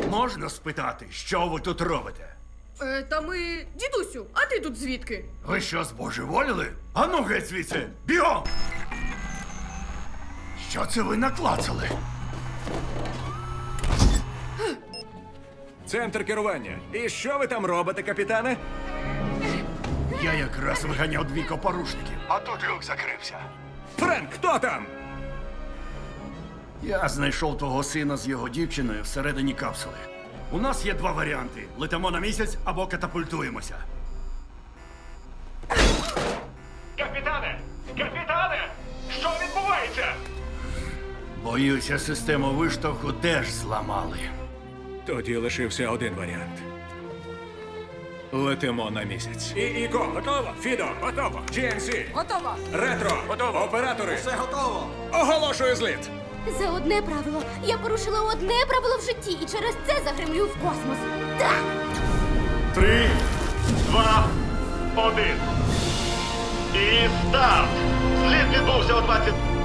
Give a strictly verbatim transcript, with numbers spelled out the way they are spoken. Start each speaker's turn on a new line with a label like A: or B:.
A: Можна спитати, що ви тут робите?
B: Е, та ми... Дідусю, а ти тут звідки?
A: Ви що, збожеволіли? Ану геть звідси! Бігом! Що це ви наклацали?
C: Центр керування. І що ви там робите, капітане?
A: Я якраз виганяв двійко порушників, а тут люк закрився.
C: Френк, хто там?
A: Я знайшов твого сина з його дівчиною всередині капсули. У нас є два варіанти: летимо на місяць або катапультуємося.
D: Капітане! Капітане! Що відбувається?
A: Боюся, систему виштовху теж зламали.
C: Тоді лишився один варіант. Летимо на місяць. І Іко, готово? Фідо, готово. джі ен сі.
B: Готово.
C: Ретро, готово. Оператори. Все готово. Оголошую зліт.
E: За одне правило. Я порушила одне правило в житті і через це загремлю в космос. Так!
D: Три, два, один. І старт! Зліт відбувся о двадцять...